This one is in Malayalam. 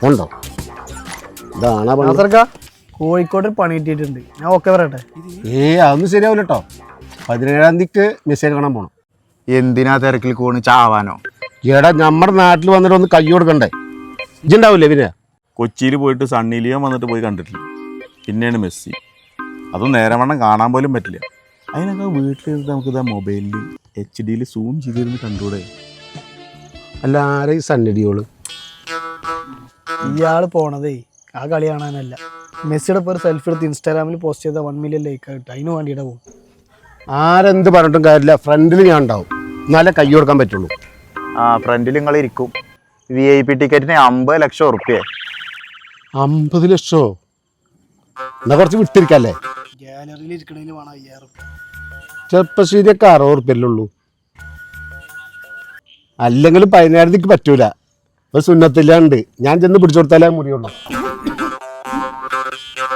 ഉണ്ടോ? ഇതാണ് കോഴിക്കോട് പണി കിട്ടിയിട്ടുണ്ട്. ഞാൻ ഓക്കെ പറയട്ടെ? അതൊന്നും ശരിയാവില്ല കേട്ടോ. 17-ാം തീയതിക്ക് മെസ്സേജ് കാണാൻ പോണം. എന്തിനാ തിരക്കിൽ പോണ്? ചാവാനോ? എടാ നമ്മുടെ നാട്ടിൽ വന്നിട്ട് ഒന്ന് കൈ കൊടുക്കണ്ടേ? ഇജ്ജുണ്ടാവില്ലേ പിന്നെ? കൊച്ചിയിൽ പോയിട്ട് സണ്ണി ലിയോൺ വന്നിട്ട് പോയി കണ്ടിട്ടില്ല. പിന്നെയാണ് മെസ്സി. അതും നേരവണ്ണം കാണാൻ പോലും പറ്റില്ല. അതിനൊക്കെ വീട്ടിലിരുന്ന് നമുക്കിതാ മൊബൈലിൽ HD സൂം ചെയ്തിരുന്ന് കണ്ടൂടെ? അല്ല, ആരെ ഈ സണ്ണിടിയോള്? ഇയാള് പോണതേ ആ കളി കാണാനല്ല. മെസ്സിയുടെ പേര് സെൽഫി എടുത്ത് ഇൻസ്റ്റാഗ്രാമിൽ പോസ്റ്റ് ചെയ്ത 1 മില്യൺ ലൈക്ക് ആയിട്ട് അതിന് വേണ്ടിയിട്ട് പോകും. ആരെന്ത് പറഞ്ഞിട്ടും കാര്യമില്ല, ഫ്രണ്ടിൽ ഞാൻ ഉണ്ടാവും, എന്നാലേ കൈ കൊടുക്കാൻ പറ്റുള്ളൂ. ഫ്രണ്ടിൽ നിങ്ങൾ ഇരിക്കും. VIP ടിക്കറ്റിന് 50 ലക്ഷം ഉറുപ്പ്യ. 50 ലക്ഷമോ? എന്നാ കുറച്ച് വിട്ടിരിക്കല്ലേ? ഗാലറിയിൽ ഇരിക്കണേന് വേണം 5000. ചെറുപ്പശ്ശേരിയൊക്കെ 60 ഉറുപ്പ്യല്ലേ ഉള്ളൂ. അല്ലെങ്കിലും 17-ാം തീയതിക്ക് പറ്റൂല. ഒരു സുന്നത്തില്ലാണ്ട് ഞാൻ ചെന്ന് പിടിച്ചു കൊടുത്താലേ മുറിയുള്ളൂ.